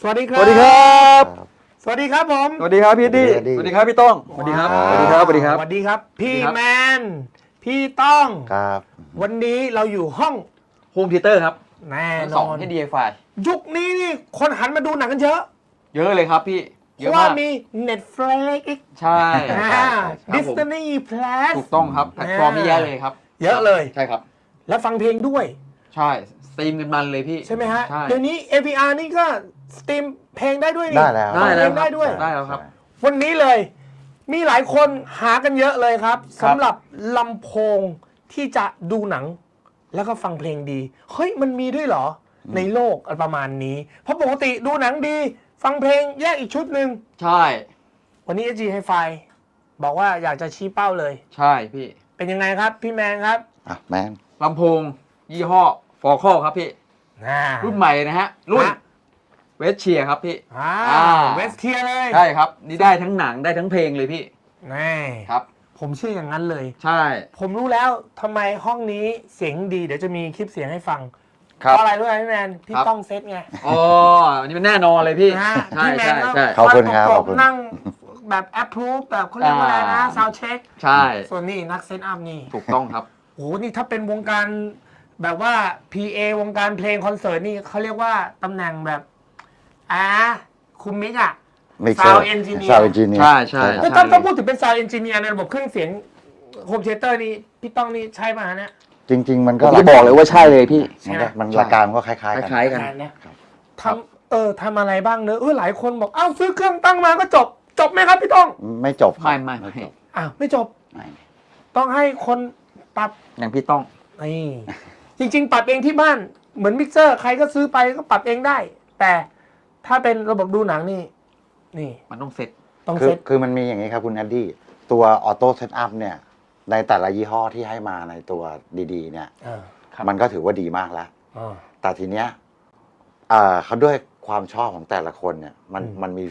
สวัสดีคสรับวัสดีครับสวัสดีครับผมสวัสดีครับพี่ดี้สวัสดีครับพี่ต้องสวัสดีครับสวัสดีครับสวัสดีครับสวัสดีครับ พี่สวัสดีครับแมน พี่ต้องครับวันนี้เราอยู่ห้องโฮมเทเตอร์ครับแน่ทั้งนสออง นให้ DIY ยุคนี้นี่คนหันมาดูหนังกันเยอะเยอะเลยครับพี่เพเยอะราะว่าากมมี Netflix ใช่ดิสนีย์ Plus ถูกต้องครับแพลตฟอร์มนี่เยอะเลยครับเยอะเลยใช่ครับและฟังเพลงด้วยใช่สตรีมกันมันเลยพี่ใช่ไหมฮะใช่เดี๋ยวนี้ AVR นี่ก็สตรีมเพลงได้ด้วยนี่ได้แล้วฟังเพลงครัได้ด้วยได้แล้วครับวันนี้เลยมีหลายคนหากันเยอะเลยครับครับสำหรับลำโพงที่จะดูหนัง แล้วก็ฟังเพลงดี เฮ้ยมันมีด้วยเหรอ ในโลกประมาณนี้ เพราะปกติดูหนังดี ฟังเพลงแยกอีกชุดหนึ่งใช่วันนี้ SG Hi-Fi บอกว่าอยากจะชี้เป้าเลยใช่พี่เป็นยังไงครับ พี่แมนครับอ่ะแมนลำโพงยี่ห้อฟอร์คอครับพี่ รุ่นใหม่เลยนะฮะ รุ่นฮะเวสเชียครับพี่เวสเทียเลยใช่ครับ นี่ได้ทั้งหนังได้ทั้งเพลงเลยพี่นี่ครับผมเชื่ออย่างนั้นเลยใช่ผมรู้แล้วทำไมห้องนี้เสียงดี เดี๋ยวจะมีคลิปเสียงให้ฟังครัเพบราะอะไรรู้ไหมพี่แมน พี่ครับต้องเซตไงอ๋ออันนี้มันแน่นอนเลยพี่นะฮะใช่พี่แมใช่นก็ใช่ขอบคุณครับนั่งขอบคุณนั่งแบบแอปพรูฟแบบเขาเรียกว่าอะไรนะ ซาวเช็คใช่ส่วนนี้นักเซตอัพนี่ถูกต้องครับโอ้โห นี่ถ้าเป็นวงการแบบว่า PA วงการเพลงคอนเสิร์ตนี่เขาเรียกว่าตำแหน่งแบบคุมมิกอะ Sound engineer ซาวเอนจิเนียร์ใช่ใช่ถ้าต้องพูดถึงเป็นซาวเอนจิเนียร์ในระบบเครื่องเสียงโฮมเทเตอร์นี่พี่ต้องนี่ใช่ป่ะฮะเนี่ยจริง ๆ มันผก็มจะบอกเลยว่าใช่เลยพี่มันหลักการมันก็คล้ายๆกันคล้ายๆกันงานเนี่ยครับทำอะไรบ้างเนอะหลายคนบอกอ้าวซื้อเครื่องตั้งมาก็จบ จบไหมครับพี่ต้องไม่จบครับไม่จบอ้าวไม่จบไม่ต้องให้คนปรับอย่างพี่ต้องนี่จริง ๆ ปรับเองที่บ้านเหมือนมิกเซอร์ใครก็ซื้อไปก็ปรับเองได้ แต่ถ้าเป็นระบบดูหนังนี่มันต้องเซ็ตต้องคือเซ็ตคือมันมีอย่างนี้ครับคุณแอดดี้ตัวออโต้เซตอัพเนี่ยในแต่ละยี่ห้อที่ให้มาในตัวดีๆเนี่ยครับมันก็ถือว่าดีมากแล้ว แต่ทีเนี้ยเขาด้วยความชอบของแต่ละคนเนี่ยมันมี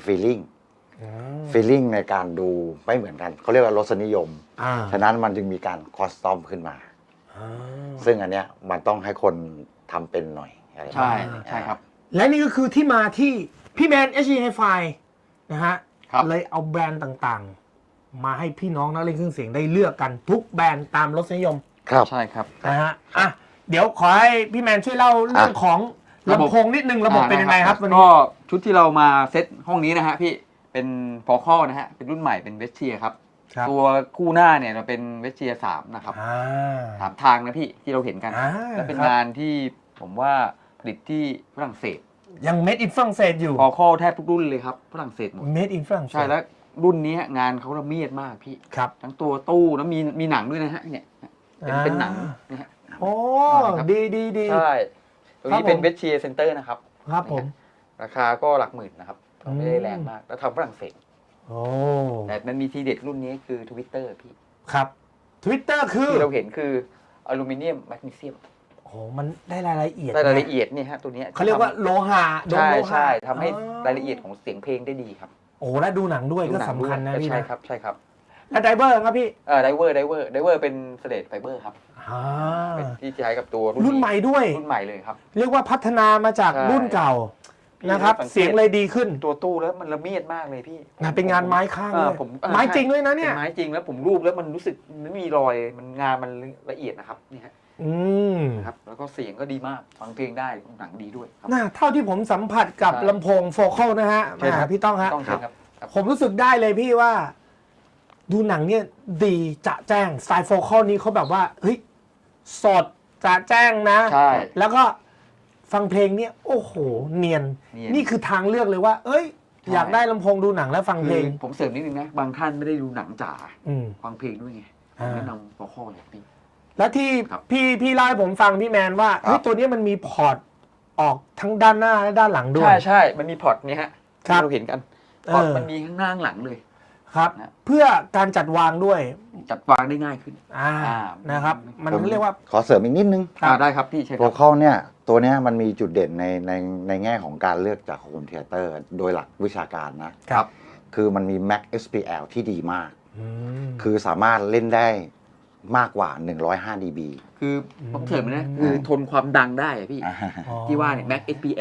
feeling ในการดูไม่เหมือนกันเขาเรียกว่ารสนิยม ฉะนั้นมันจึงมีการคอสตอมขึ้นมา ซึ่งอันเนี้ยมันต้องให้คนทำเป็นหน่อยอะไรประใช่มาณนี้ใช่ครับและนี่ก็คือที่มาที่พี่แมน SG Hi-Fi นะฮะครับเลยเอาแบรนด์ต่างๆ มาให้พี่น้องนักเล่นเครื่องเสียงได้เลือกกันทุกแบรนด์ตามรสนิยมครับใช่ครับนะฮะอ่ะเดี๋ยวขอให้พี่แมนช่วยเล่าเรื่องของระบบลำโพงนิดนึงระบบเป็นยังไงครับวันนี้ก็ชุดที่เรามาเซ็ตห้องนี้นะฮะพี่เป็นฟอร์คอนะฮะเป็นรุ่นใหม่เป็นเวสเชียครับครับตัวคู่หน้าเนี่ยเราเป็นเวสเชีย3นะครับอ่า 3 ทางนะพี่ที่เราเห็นกัน และเป็นครับงานที่ผมว่าผลิตที่ฝรั่งเศสยัง made in ฝรั่งเศสอยู่ฟอร์คอแทบทุกรุ่นเลยครับฝรั่งเศสหมด made in ฝรั่งเศสใช่แล้วรุ่นนี้งานเขาละเมียดมากพี่ครับทั้งตัวตู้แล้วมีหนังด้วยนะฮะเนี่ยเป็นหนังนะฮะโอ้ครับดีใช่ตรงครับนี้เป็นผมเวสเชียเซ็นเตอร์นะครับครับผมราคาก็หลักหมื่นนะครับไม่ได้แรงมาก แล้วทำฝรั่งเศสโอ้แต่มันมีทีเด็ดรุ่นนี้คือ Twitter พี่ครับ Twitter คือที่เราเห็นคืออลูมิเนียมแมกนีเซียมโอ้มันได้รายละเอียดรายละเอียดเนี่ยฮะตัวเนี้ยเขาเรียกว่าโลหะโดนใช่โลหะใช่ทำให้อ๋อรายละเอียดของเสียงเพลงได้ดีครับโอ้และดูหนังด้วยก็ดูหสำคัญนะด้วยพี่ใช่นะครับใช่ครับและไดเวอร์ครับพี่ไดเวอร์เป็นสเลดไฟเบอร์ครับอ่าเป็นที่ใช้กับตัวรุ่นใหม่ด้วยรุ่นใหม่เลยครับเรียกว่าพัฒนามาจากใช่รุ่นเก่านะครับสังเกตเสียงเลยดีขึ้นตัวตู้แล้วมันละเมียดมากเลยพี่งานเป็นงานไม้ข้างเอเลอย ผมไม้จริงด้วยนะเนี่ยเป็นไม้จริงแล้วผมรูปแล้วมันรู้สึกไม่มีรอยมันงานมันละเอียดนะครับนี่ฮะอืมนะครับแล้วก็เสียงก็ดีมากฟังเพลงได้หนังดีด้วยครับน่าเท่าที่ผมสัมผัสกับใช่ลำโพงโฟกัลนะฮะใช่ครับพี่ต้องฮะต้องใช่ครับครับผมรู้สึกได้เลยพี่ว่า ดูหนังเนี่ยดีจะแจ้งสไตล์โฟกัลนี้เขาแบบว่าเฮ้ยสดจะแจ้งนะใช่แล้วก็ฟังเพลงเนี่ยโอ้โห เนียนเนียนนี่คือทางเลือกเลยว่า เอ้ยใช่อยากได้ลำโพงดูหนังแล้วฟังเพลงผมเสริมนิดนึงนะบางท่านไม่ได้ดูหนังจ๋าอืมฟังเพลงด้วยไงอ่าแนะนำฟอร์คอเลยพี่แล้วที่ครับพี่เล่าให้ผมฟังพี่แมนว่าเฮ้ยตัวเนี้ยมันมีพอร์ตออกทั้งด้านหน้าและด้านหลังด้วยใช่มันมีพอร์ตเนี่ยฮะครับที่เราเห็นกันพอร์ตเออมันมีข้างหน้าข้างหลังเลยครับนะเพื่อการจัดวางด้วยจัดวางได้ง่ายขึ้นนะครับ มันผมเรียกว่าขอเสริมอีกนิดนึงได้ครับพี่ใช่คโปรัรบคอลเนี่ยตัวเนี้ยมันมีจุดเด่นในแง่ของการเลือกจากโฮมเทเตอร์โดยหลักวิชาการนะครับคือมันมี Max SPL ที่ดีมากอืมคือสามารถเล่นได้มากกว่า 105 dB คือผมเสริมนะคือทนความดังได้อะพี่อ๋อที่ว่าเนี่ย Mac SPL เนี่ย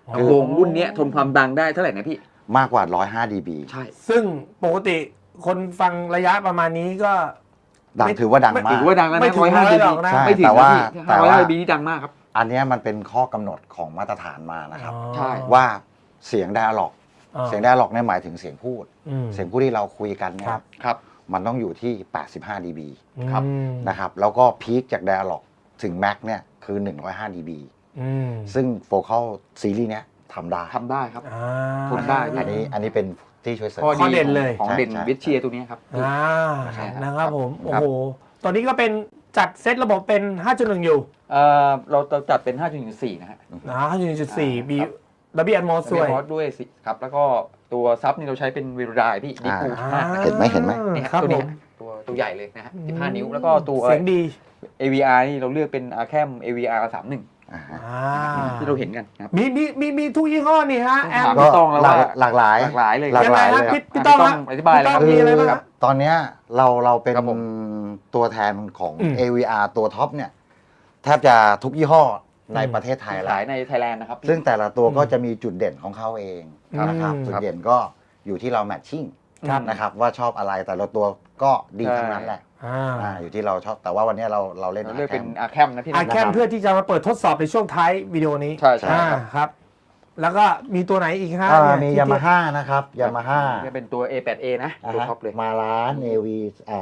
ลำโพงรุ่นเนี้ยทนความดังได้เท่าไหร่นะพี่มากกว่า105 dB ใช่ซึ่งปกติคนฟังระยะประมาณนี้ก็ดังถือว่าดังมาถืกอว่าดังแล้วไม่นะถึง 105 100 dB หรอกนะใช่ไม่ถึงแต่นะว่าพี่แต่ว่า 105 dB นี่ดังมากครับอันเนี้ยมันเป็นข้อกำหนดของมาตรฐานมานะครับใช่ว่าเสียงไดอะล็อกอ่าเสียงไดอะล็อกเนี่ยหมายถึงเสียงพูดอืมเสียงพูดที่เราคุยกันเนี่ยครับครับมันต้องอยู่ที่85 dB ครับอืมนะครับแล้วก็พีคจากไดอะล็อกถึงแม็กเนี่ยคือ105 dB อืมซึ่งโฟคัลซีรีส์เนี้ยทำได้ทำได้ครับอ่าทนได้อันนี้เป็นที่ช่วยเสริมข้อเด่นเลยของเด่นใช่วิเชียตัวนี้ครับอ่าใช่ครับนะครับผมคโอ้รับโห ตอนนี้ก็เป็นจัดเซตระบบเป็น 5.1 อยู่เราจัดเป็น 5.4 นะฮะนะ5.1.4 มีครับดับเบิลแอนมอสด้วยมอสด้วยสิครับ แล้วก็ตัวซับนี่เราใช้เป็นเวลาพี่ดีปูอ่ามากนะเห็นไหมเห็นไหมเนี่ยครับตัวผเนี้มยตัวใหญ่เลยนะฮะ15 นิ้ว แล้วก็ตัวเสียงดี AVR นี่เราเลือกเป็น Arcam AVR 31 อ่าฮะอ่าที่เราเห็นกันนะครับมีทุกยี่ห้อนี่ฮะแอมถามก็พี่ต้องแล้วว่าหลากหลายหลากหลายเลยหลากยังหไงลายฮะเลยพี่ต้องฮะอธิบายเลยครับพี่ต้องมีอะไรบ้างฮะตอนเนี้ยเราเป็นครับผมตัวแทนของอืม AVR ตัวท็อปเนี่ยแทบจะทุกยี่ห้อในประเทศไทยแล้ขายว ในไทยแลนด์นะครับซึ่งแต่ละตัวก็จะมีจุดเด่นของเขาเองครับนะครับอืมจุดเด่นก็อยู่ที่เราแมทชิ่งครับนะครับว่าชอบอะไรแต่ละตัวก็ดีทั้งนั้นแหละอ่าอยู่ที่เราชอบแต่ว่าวันนี้เราเล่นเราเลือกเป็น Arcam Arcam นะพี่อานะแคมเพื่อที่จะมาเปิดทดสอบในช่วงท้ายวิดีโอนี้ใช่ใช่อ่าครับครับ แล้วก็มีตัวไหนอีกฮะมีเนี่ยยามาฮ่านะครับยามาฮ่าจะเป็นตัว A8A นะตัวท็อปเลยมาล้านเอวี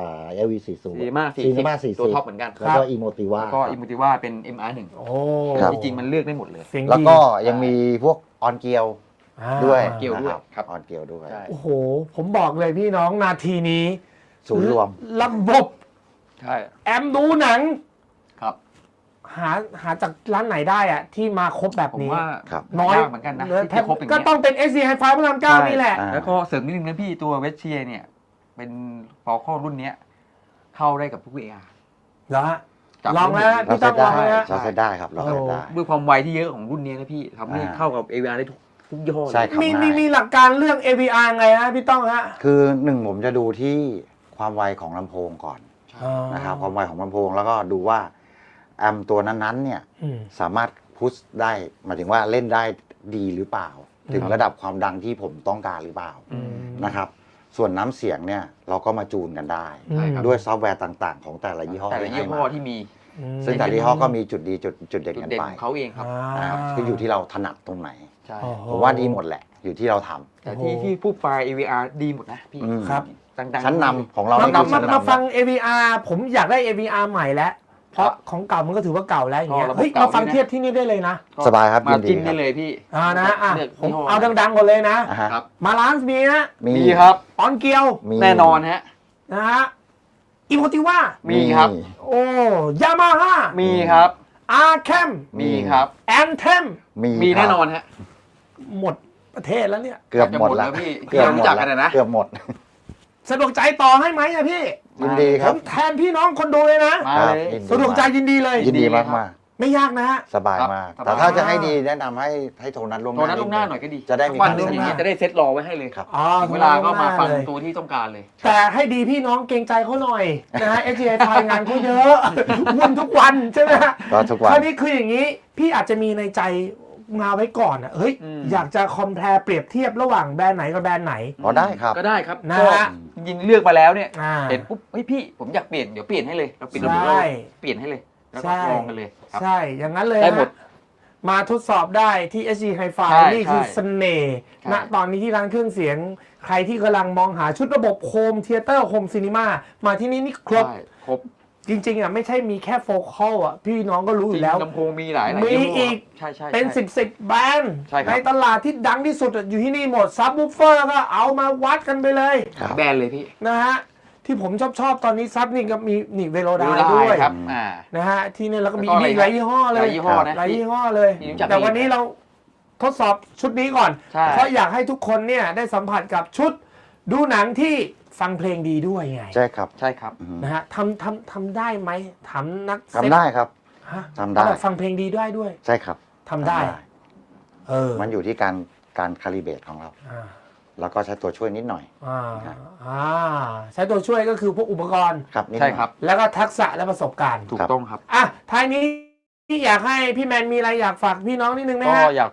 40 ซีมาซีนีมา 40 40 ตัวท็อปเหมือนกันแล้วก็อีโมติว่าแล้วก็อิมูติว่าเป็น MR1 โอ้ครับจริงๆมันเลือกได้หมดเลยเสียงดีแล้วก็ยังมีพวกออนเกียวอ่าด้วยเกียวด้วยนะครับ ออนเกียวด้วยใช่โอ้โห ผมบอกเลยพี่น้องนาทีนี้ศูนย์รวมระบบใช่แอมดูหนังครับหาจากร้านไหนได้อะที่มาครบแบบผมนี้ว่าครับน้อยากเหมือนกันนะที่จะครบอย่างก็เงี้ยต้องเป็น SC Hi-Fi พระรามเก้านี่แหละอ่าแล้วก็เสริมนิดนึงนะพี่ตัวเวชเชียเนี่ยเป็นฟอลคอรุ่นเนี้ยเข้าได้กับทุก VR เหรอฮะจับลองแล้วได้หมดพี่ต้องลองแล้วเราเซตได้ครับเราเซตได้ด้วยความไวที่เยอะของรุ่นเนี้ยนะพี่ทำให้เข้ากับ AVR ได้ทุกยี่ห้อเลยใช่ครับมีหลักการเรื่อง AVR ไงฮะพี่ต้องฮะคือหนึ่งผมจะดูที่ความไวของลำโพงก่อนอ๋อนะครับความไวของลำโพงแล้วก็ดูว่าแอมตัวนั้นๆเนี่ยอืมสามารถพุชได้หมายถึงว่าเล่นได้ดีหรือเปล่า ถึงระดับความดังที่ผมต้องการหรือเปล่าอืมนะครับส่วนน้ำเสียงเนี่ยเราก็มาจูนกันได้ใช่ครับด้วยซอฟต์แวร์ต่างๆ ของแต่ละยี่ห้อแต่ละที่ยี่ให้ห้มาอที่มีอืมซึ่งแต่ละยี่ห้อก็มีจุดดีจุดเด่นจุดกันเด่นไปของเขาเองครับคืออยู่ที่เราถนัดตรงไหนใช่โอ้โหผมว่าดีหมดแหละ อยู่ที่เราทำแต่ที่ผู้ไฟล์ AVR ดีหมดนะพี่อืมครับดังๆชั้นนำของเรามานี่คือชั้นมานำฟัง AVR ผมอยากได้ AVR ใหม่แล้ว เพราะของเก่ามันก็ถือว่าเก่าแล้วอย่างเงี้ยระบบเฮ้ยเก่ามาฟังด้วยนะเทียบที่นี่ได้เลยนะสบายครับมายินดีจิ้มครัได้บเลยพี่นะลืกผมยี่ห้เอาดังๆก่อนเลยนะอ่าฮะครับมาลานซ์มีนะมีครับออนเกียวมีแน่นอนฮะนะฮะอีโมติว่ามีครับโอ้ยามาฮ่ามีครับอาร์แคมมีครับแอนเทมมีแน่นอนครับฮะหมดประเทศแล้วเนี่ยเกือบหมดแล้วจะหมดแล้วพี่เกือบหมดที่เรารู้จักกัแล้วนนะเกือบหมดสะดวกใจต่อให้ไหมอะพี่ยินดีคผรับมแทนพี่น้องคนดูเลยนะมาครับเลยยินสะดวกใจยินดีเลยยินดีครัมากบๆไม่ยากนะฮะสบายมากครับแต่ถ้าจะให้ดีแนะนำให้โทรนัดล่วงหตัวน้านั้นลงหน้าหน่อยก็ดีจะได้มีวันการหนึงเซ็นอย่างนี้หน้าจะได้เซ็ตรอไว้ให้เลยครับอ๋อถึงเวลาก็มาฟังเลยตัวที่ต้องการเลยแต่ให้ดีพี่น้องเกรงใจเขาหน่อยนะฮะ SGI ไทยงานเขาเยอะ วุ่นทุกวันใช่ไหมฮะก็ทุกวันคราวนี้คืออย่างนี้ พี่อาจจะมีในใจมาไว้ก่อนอ่ะเฮ้ยอืมอยากจะคอมเพลเปรียบเทียบระหว่างแบรนด์ไหนกับแบรนด์ไหนอ๋อได้ครับก็ได้ครับนะก็ฮะจริงๆเลือกมาแล้วเนี่ยอ่าเห็นปุ๊บเฮ้ยพี่ผมอยากเปลี่ยนเดี๋ยวเปลี่ยนให้เลยเราเปลี่ยนใช่เราเปลี่ยนให้เลยแล้วก็ใช่ลองกันเลยครับใช่ อย่างนั้นเลยได้หมดฮะมาทดสอบได้ที่ SG Hi-Fi ใช่นี่คือใช่เสน่ห์ใช่ณตอนนี้ที่ร้านเครื่องเสียง ใครที่กำลังมองหาชุดระบบโฮมเทเตอร์โฮมซีนีมามาที่นี่นี่ครบใช่ครบจริงๆอ่ะไม่ใช่มีแค่โฟกัลอ่ะพี่น้องก็รู้อจริยู่งแล้วลำโพงมีหลายมียี่ห้อีกใช่ใช่เป็นใช่ 10แบรนด์ใช่ครับในตลาดที่ดังที่สุดอะอยู่ที่นี่หมดซับวูฟเฟอร์ก็เอามาวัดกันไปเลยครับแบรนด์เลยพี่นะฮะที่ผมชอบตอนนี้ซับนี่ก็มีนี่เวโรดาดูได้ด้วยครับอืมนะฮะที่นี่แล้วก็มีแล้วก็อะไรอีกหลายยี่ห้อเลยหลายยี่ห้อนะหลายยี่ห้อเลยที่รู้จักแต่วันนี้เราทดสอบชุดนี้ก่อนใช่เพราะอยากให้ทุกคนเนี่ยได้สัมผัสกับชุดดูหนังที่ฟังเพลงดีด้วยไงใช่ครับใช่ครับอืมนะฮะทำได้ไหมถามนักเซ็ตทำได้ครับฮะทำได้เขาบอกฟังเพลงดีได้ด้วยใช่ครับทำได้เออมันอยู่ที่การคาลิเบตของเราอ่าแล้วก็ใช้ตัวช่วยนิดหน่อยอ่าครับใช้ตัวช่วยก็คือพวกอุปกรณ์ครับนิดหใช่น่อยครับแล้วก็ทักษะและประสบการณ์ถูกต้องครับอ่ะท้ายนี้ที่อยากให้พี่แมนมีอะไรอยากฝากพี่น้องนิดนึงไหมก็ฮะอยากฝาก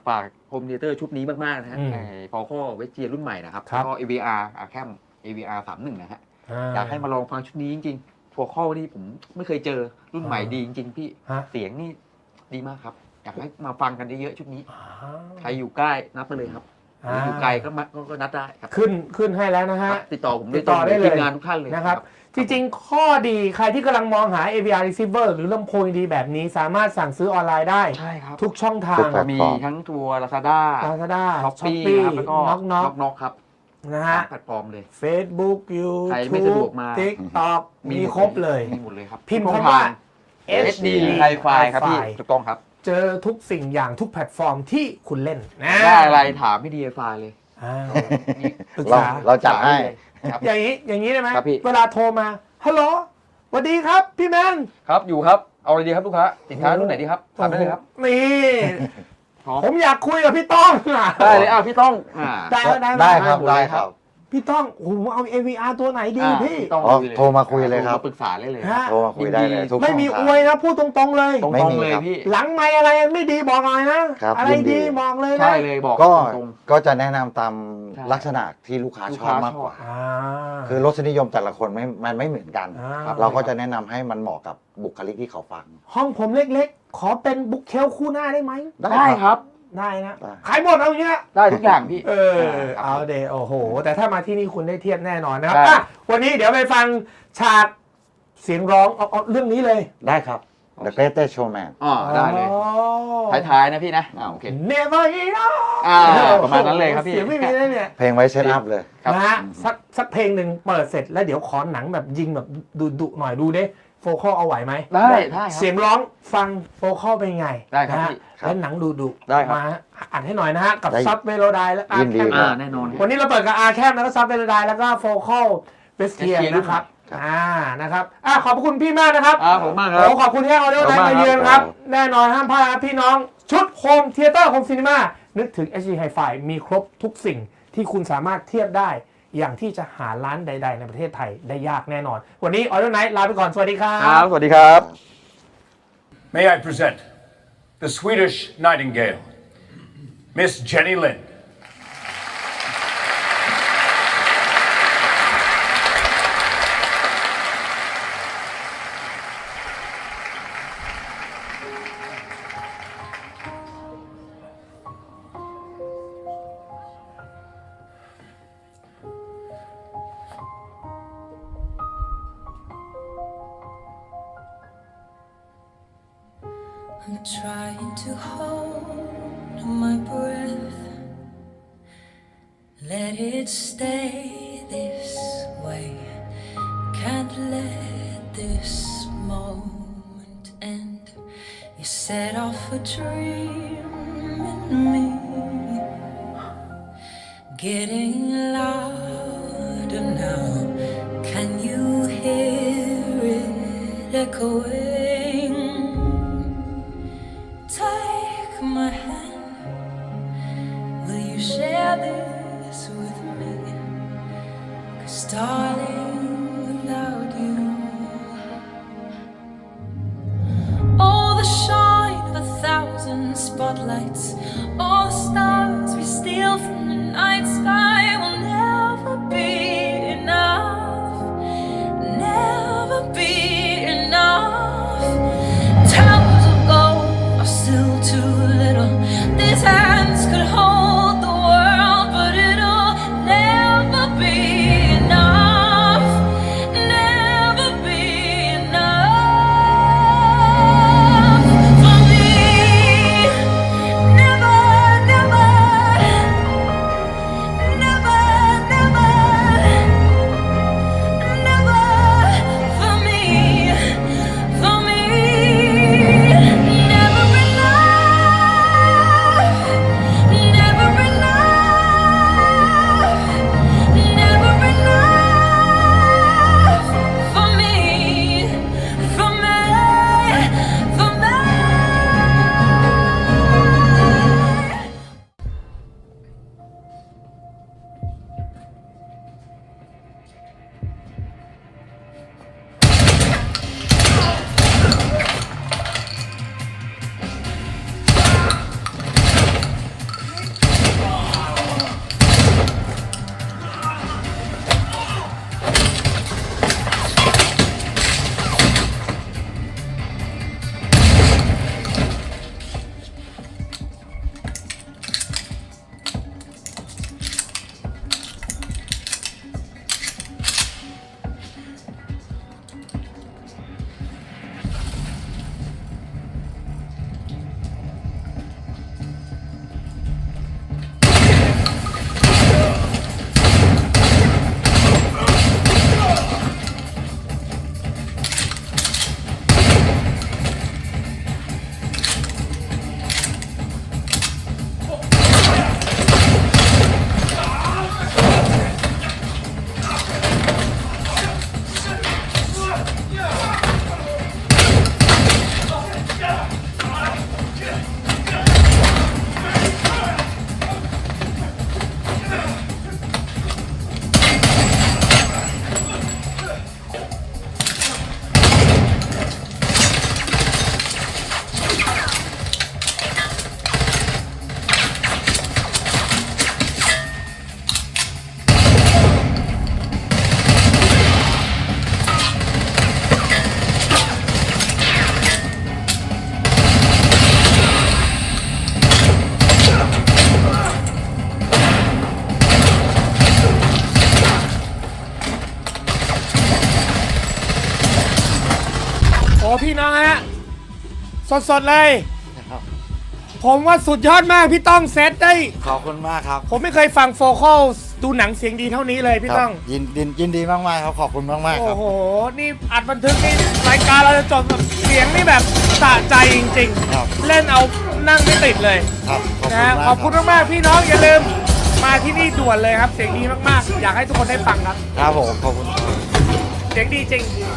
โฮมเทเตอร์ชุดนี้มากๆนะฮะอืมพอข้อเวสเจียรุ่นใหม่นะครับครับก็ AVR แคม AVR 31นะฮะอยากให้มาลองฟังชุดนี้จริงๆพอข้อนี่ผมไม่เคยเจอรุ่นใหม่ดีจริงๆพี่ฮะเสียงนี่ดีมากครับ อยากให้มาฟังกันเยอะๆชุดนี้อ่าใครอยู่ใกล้นัดไปเลยครับหรืออยู่ไกลก็นัดได้ครับขึ้นให้แล้วนะคฮะรับติดต่อผมติดต่อได้เลยทีมงานทุกท่านเลยนะครับ จริงๆ ข้อดีใครที่กำลังมองหา AVR receiver หรือลำโพงดีแบบนี้สามารถสั่งซื้อออนไลน์ได้ใช่ครับทุกช่องทาทุงกแพลตฟอร์มีทั้งตัว Lazada Lazada ช้อปปี้ Shopee ครับแล้วก็น็อกครับนะฮะแพลตฟอร์มเลย Facebook ใครไม่สะดว YouTube กมา TikTok มีครบเลยมีหมดเลยครับพิมพ์คำว่า HD Hi-Fi ครับพี่ถูกต้องครับเจอทุกสิ่งอย่างทุกแพลตฟอร์มที่คุณเล่นนะได้อะไรถามพี่ DFI เลยอ่านี่ปรึกเราษาเราจัดให้ครับอย่างนี้ได้ไหมครับพี่เวลาโทรมาฮัลโหลสวัสดีครับพี่แมนครับอยู่ครับเอาอะไรดีครับลูกค้าสินค้ารุ่นไหนดีครับถามได้เลยครับนี่พร้อมผมอยากคุยกับพี่ต้องอะได้เลยพี่ต้องได้ไหมได้ครับได้ได้คครัรับ บพี่ต้องโอ้โหเอา AVR ตัวไหนดีพี่ต้องอ๋อคุยเลยโทรมาคุยเลยครับโทมาปรึกษาได้เลยฮะโทรมาคุยได้เลยทุกไม่มีช่อองวยทางนะพูดตรงๆเลยตรงไม่มีๆเลยครับพี่หลังไม่อะไรไม่ดีบอกหน่อยนะครับอะไรยินดีดีบอกเลยนะใช่เลยบอกก็ตรงก็จะแนะนำตามใช่ลักษณะที่ลูกค้าลูกชค้าอบมากกว่าอ่าคือรสนิยมแต่ละคนมันไม่เหมือนกันอ่าเราก็จะแนะนำให้มันเหมาะกับบุคลิกที่เขาฟังห้องผมเล็กๆ ขอเป็นบุ๊กเชลคู่หน้าได้ไหมๆได้ครับได้นะได้ขายหมดเอาอย่างเงี้ยได้ทุกอย่างพี่ ครับเอาเดโอ้โห แต่ถ้ามาที่นี่คุณได้เทียบแน่นอนนะครับใช่อ่ะวันนี้เดี๋ยวไปฟังฉากเสียงร้องเอาเรื่องนี้เลยได้ครับ The Greatest Showman ได้เลยท้ายๆนะพี่นะโอเค Never enough ประมาณนั้นเลยครับพี่เสียงไม่มีเลยเนี่ยเพลงไว้เซตอัพเลยครับนะฮะสักเพลงหนึ่งเปิดเสร็จแล้วเดี๋ยวขอหนังแบบยิงแบบดุๆหน่อยดูดิโฟกัสเอาไหวไหมได้ครับเสียงร้องฟังโฟกัสเป็นไงได้ครับนะฮะพี่แล้วหนังดุได้ครับมาอัดให้หน่อยนะฮะ กับได้ซับเวโรไดและอายินร์ดีแคมครับแน่นอนครับวันนี้เราเปิดกับอาร์แคมแล้วก็ซับเวโรไดแล้วก็โฟกัสเวสเทีย Vestia นะครับครับนะครับขอบคุณพี่มากนะครับผมมากครับโอ้ขอบคุณที่ให้ออเดอร์ไลน์มาเยือนครับครับแน่นอนห้ามพลาดครับพี่น้องชุดโฮมเทเตอร์โฮมซีนีมานึกถึง HD Hi-Fi มีครบทุกสิ่งที่คุณสามารถเทียบได้ อย่างที่จะหาร้านใด ๆ ในประเทศไทยได้ยากแน่นอน วันนี้ออเดอร์ไนท์ลาไปก่อน สวัสดีครัครับ บ สวัสดีครับ May I present the Swedish Nightingale, Miss Jenny Lind. I'm trying to hold my breath. Let it stay this way. Can't let this moment end. You set off a dream in me, getting louder now. Can you hear it echoing? Take my hand. Will you share this with me? 'Cause darling, without you, all the shine of 1,000 spotlights, all the stars we steal from the night sky will never be enough. Never be enough. Towers of gold are still too little. These hands could hold the world, but it'll never be enough. Never be enough for me. Never, สดๆเลยครับผมว่าสุดยอดมากพี่ต้องเซตได้ขอบคุณมากครับผมไม่เคยฟังโฟคอลดูหนังเสียงดีเท่านี้เลยพี่ต้องยินดีมากๆครับขอบคุณมากๆคโอ้รับโห นี่อัดบันทึกนี่รายการเราจะจบแบบเสียงนี่แบบสะใจจริงครับๆ เล่นเอานั่งไม่ติดเลยครับขอบคุณนะมากขอบคุณมากๆพี่น้องอย่าลืมมาที่นี่ด่วนเลยครับ เสียงดีมากๆ อยากให้ทุกคนได้ฟังครับครับผมขอบคุณครับเสียงดีจริง